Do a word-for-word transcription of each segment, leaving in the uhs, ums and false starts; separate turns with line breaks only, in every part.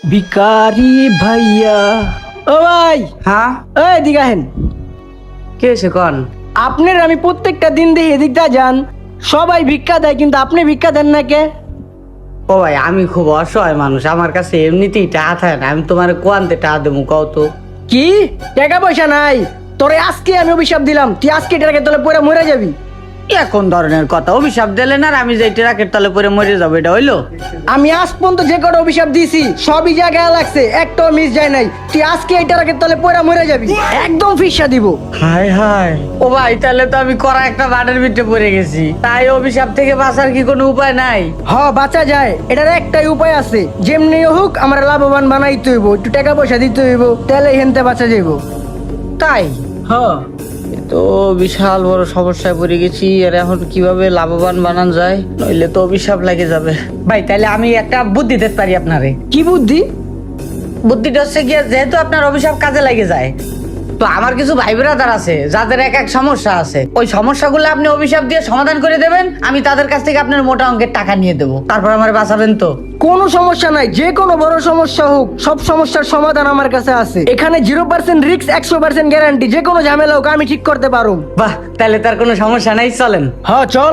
ভিকারি ভাইয়া। ও ভাই,
হ্যাঁ
এই এদিকে আহেন।
কে এসে কন?
আপনার আমি প্রত্যেকটা দিন দেখি এদিকটা যান, সবাই ভিক্ষা দেয় কিন্তু আপনি ভিক্ষা দেন না কে?
ও ভাই, আমি খুব অসহায় মানুষ, আমার কাছে এমনিতেই টাকা থাকে না। আমি তোমার কোয়ান্তে টাকা দেবো কও তো?
কি টাকা পয়সা নাই? তোরে আজকে আমি অভিশাপ দিলাম, তুই আজকে টাকা তোলে পরে মরে যাবি।
কোন ধরনের কথা? অভিশাপ দিলেন আর আমি যে ট্রাকের তলে পরে মরে যাবো, এটা হইলো?
আমি আজ পর্যন্ত যে কটা অভিশাপ দিয়েছি সবই জায়গায় লাগছে, একটাও মিস যায় নাই। তুই আজকে এই টাকার তলে পরে মরে যাবি, একদম ফিসা দিব।
হায় হায়, ও ভাই তাহলে তো আমি করা একটা বাটের ভিতরে পড়ে গেছি। তাই অভিশাপ থেকে বাঁচার কি কোনো উপায় নাই?
হ, বাঁচা যায়, এটার একটাই উপায় আছে। যেমনি হোক আমার লাভবান বানাইতে হইব, একটু টাকা পয়সা দিতে হইব, তাহলে হেনতে বাঁচা যাইব।
তাই?
হ্যাঁ,
তো বিশাল বড় সমস্যায় পড়ে গেছি। আর এখন কিভাবে লাভবান বানান যায়, নইলে তো অভিশাপ লাগে যাবে। ভাই তাহলে আমি একটা বুদ্ধি দিতে পারি আপনারে।
কি বুদ্ধি?
বুদ্ধিটা হচ্ছে গিয়ে, যেহেতু আপনার অভিশাপ কাজে লাগে যায়, তো আমার কিছু ভাই ব্রাদার আছে যাদের এক এক সমস্যা আছে। ওই সমস্যাগুলো আপনি অভিশাপ দিয়ে সমাধান করে দেবেন, আমি তাদের কাছ থেকে আপনার মোটা অঙ্কের টাকা নিয়ে দেবো, তারপর আমার বাঁচাবেন তো?
কোনো সমস্যা নাই, যে কোনো বড় সমস্যা হোক সব সমস্যার সমাধান আমার কাছে আছে। এখানে জিরো পার্সেন্ট রিস্ক, একশো পার্সেন্ট গ্যারান্টি। যে কোনো ঝামেলা হোক আমি ঠিক করতে পারো।
বাহ, তাহলে তার কোনো সমস্যা নাই, চলেন।
হ্যাঁ চল।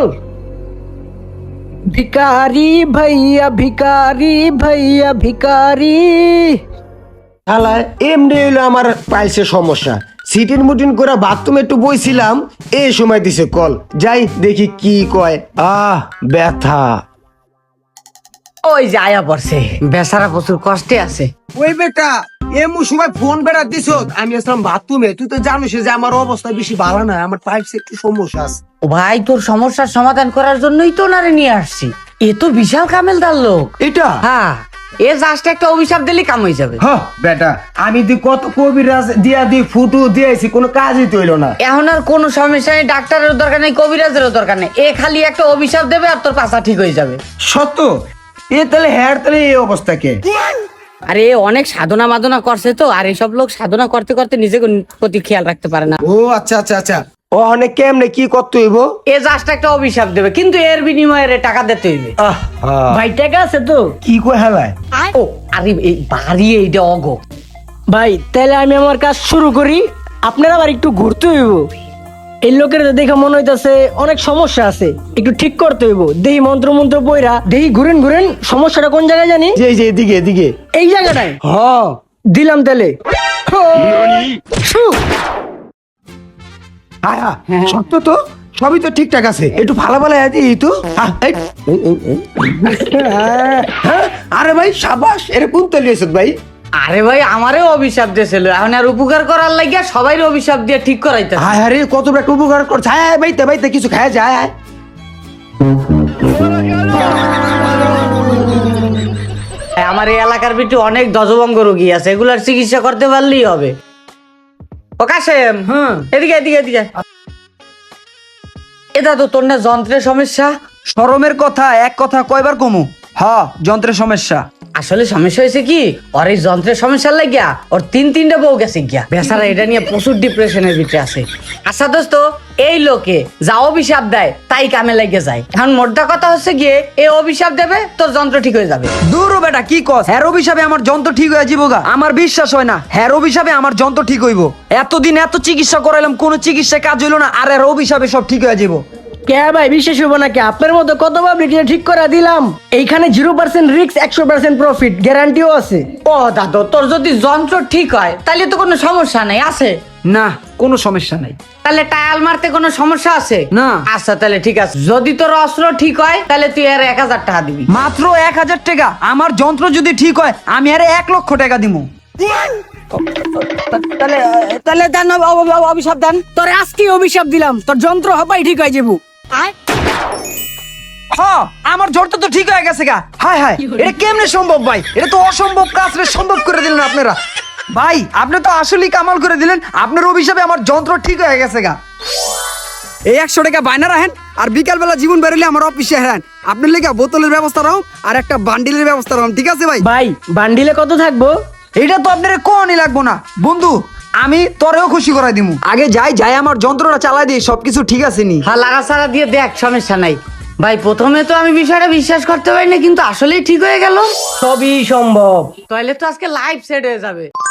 ভিকারি ভাইয়া, ভিকারি ভাইয়া, ভিকারি।
হালা এমনি হইলো আমার পাইছে সমস্যা। সিটিন মুটিন করে বাথরুমে একটু বইছিলাম, এই সময় দিছে কল। যাই দেখি কি কয়। আহ ব্যথা।
ওই যে আয়া পড়ছে, বেচারা প্রচুর কষ্টে আছে।
ওই বেটা এমন সময় ফোন বেড়া দিছ, আমি আসলাম বাথরুমে। তুই তো জানিস যে আমার অবস্থা বেশি ভালো না, আমার পাইপসে একটু সমস্যা আছে।
ও ভাই, তোর সমস্যার সমাধান করার জন্যই তো নারে নিয়ে আসছি। এ তো বিশাল কামেলদার লোক।
এটা
হ্যাঁ, এ জাস্ট একটা অভিশাপ দিলে কাম হয়ে যাবে।
হ বেটা, আমি তুই কত কবিরাজ দিয়া দি ফুটু দিয়েছি, কোনো কাজই তো হইলো না।
এখন আর কোনো সমস্যা নেই, ডাক্তারের দরকার নেই, কবিরাজেরও দরকার নেই। এ খালি একটা অভিশাপ দেবে আর তোর পাশা ঠিক হয়ে যাবে।
সত্য? এ তাহলে হ্যার তাহলে এই অবস্থা কে?
আরে এ অনেক সাধনা মাধনা করছে তো, আর এইসব লোক সাধনা করতে করতে নিজেকে প্রতি খেয়াল রাখতে পারে না।
ও আচ্ছা আচ্ছা আচ্ছা। ও অনেক কেমনে কি করতে হইব?
এ জাস্ট একটা অভিশাপ দেবে, কিন্তু এর বিনিময়ে এর টাকা দিতে হইবে।
আহ হ্যাঁ।
ভাই টাকা আছে তো?
কি কয় হেলায়?
ও আরে এই বাড়ি এইটা অগো।
ভাই তাহলে আমি আমার কাজ শুরু করি, আপনারা আবার একটু ঘুরতে হইব। এই লোকের দেখে মনে হইতাছে অনেক সমস্যা আছে, একটু ঠিক করতে হইব। দেহি মন্ত্র মন্ত্র বইরা দেহি ঘুরেন ঘুরেন, সমস্যাটা কোন জায়গায় জানি?
যে যে এদিকে এদিকে।
এই জায়গাটায়।
হ
দিলাম তাহলে। ছু।
হ্যাঁ হ্যাঁ সত্য তো, সবই তো ঠিকঠাক আছে। একটু ভালো ভালো এই তো। আহ, এই, এই, এই, এই। হ্যাঁ, আরে ভাই সাবাস, এটা কোন তেল এসে ভাই?
আরে ভাই, আমারও অভিশাপ দিয়েছিল, এখন আর উপকার করার লাগিয়া সবাই অভিশাপ দিয়ে ঠিক করাইতে।
হায় আরে কত একটা উপকার করছে। হ্যাঁ ভাইতে ভাইতে কিছু খায় যায়।
আমার এই এলাকার ভিতরে অনেক দজবঙ্গ রোগী আছে, এগুলার চিকিৎসা করতে পারলেই হবে। ও কাশেম,
হ্যাঁ
এদিকে এদিকে এদিকে। এটা তো তোর না যন্ত্রের সমস্যা?
শরমের কথা এক কথা কয়বার কমু? হ, যন্ত্রের সমস্যা।
আসলে সমস্যা হয়েছে কি, ওর এই যন্ত্রের সমস্যা লাগিয়া ওর তিন তিনটা বউ গেছে গিয়া। বেচারা এটা নিয়ে প্রচুর ডিপ্রেশনের ভিতরে আছে। আচ্ছা দোস্ত, এই লোকে যা অভিশাপ দেয় তাই কামে লাগে যায়। এখন মোদ্দা কথা হচ্ছে গিয়ে, এই অভিশাপ দেবে তোর যন্ত্র ঠিক হয়ে যাবে।
দূর ও বেটা, কি কস? হ্যার অভিশাপে আমার যন্ত্র ঠিক হয়ে যাবো গা? আমার বিশ্বাস হয় না হ্যার অভিশাপে আমার যন্ত্র ঠিক হইব। এতদিন এত চিকিৎসা করাইলাম, কোনো চিকিৎসা কাজ হইলো না, আর এর অভিশাপে সব ঠিক হয়ে যাবো।
কে ভাই বিশ্বাস হইব নাকি? আপনার মতো কত পাবলিক ঠিক করে দিলাম। এইখানে জিরো পার্সেন্ট রিস্ক, একশো পার্সেন্ট প্রফিট গ্যারান্টিও আছে।
ও দাদু, তোর যদি যন্ত্র ঠিক হয় তাহলে তো কোনো সমস্যা নাই আছে?
না, কোনো সমস্যা নাই।
তাহলে টায়াল মারতে কোনো সমস্যা আছে
না।
আচ্ছা তাহলে ঠিক আছে, যদি তোর অস্ত্র ঠিক হয় তাহলে তুই আর এক হাজার টাকা দিবি।
মাত্র এক হাজার টাকা? আমার যন্ত্র যদি ঠিক হয় আমি আরে এক লক্ষ টাকা দিব।
তাহলে তাহলে দেন অভিশাপ দেন।
তোর আজকে অভিশাপ দিলাম, তোর যন্ত্র হবাই ঠিক হয়ে যাবো।
হ, আমার যন্ত্র তো ঠিক হয়ে গেছে গা। হায় হায়, এটা কেমনে সম্ভব ভাই? এটা তো অসম্ভব কাজ রে, সম্ভব করে দিলেন আপনারা। ভাই আপনি তো আসলেই কামাল করে দিলেন, আপনার অভিশাপে আমার যন্ত্র ঠিক হয়ে গেছে গা। এই একশো টাকা বায়না রাখেন, আর বিকাল বেলা জীবন বেরোলে আমার অফিসে হেরান। আপনার লেগে বোতলের ব্যবস্থা রাখুন আর একটা বান্ডিলের ব্যবস্থা রাখুন, ঠিক আছে ভাই?
ভাই বান্ডিলে কত থাকবো?
এটা তো আপনার কোনই লাগবো না বন্ধু, আমি তোরেও খুশি করাই দিমু। আগে যাই যাই আমার যন্ত্রটা চালাই দিই, সবকিছু ঠিক আছে নি?
হ্যাঁ, লাগা ছাড়া দিয়ে দেখ, সমস্যা নাই। ভাই প্রথমে তো আমি বিষয়টা বিশ্বাস করতে পারি না, কিন্তু আসলেই ঠিক হয়ে গেল।
সবই সম্ভব।
তাহলে তো আজকে লাইভ সেট হয়ে যাবে।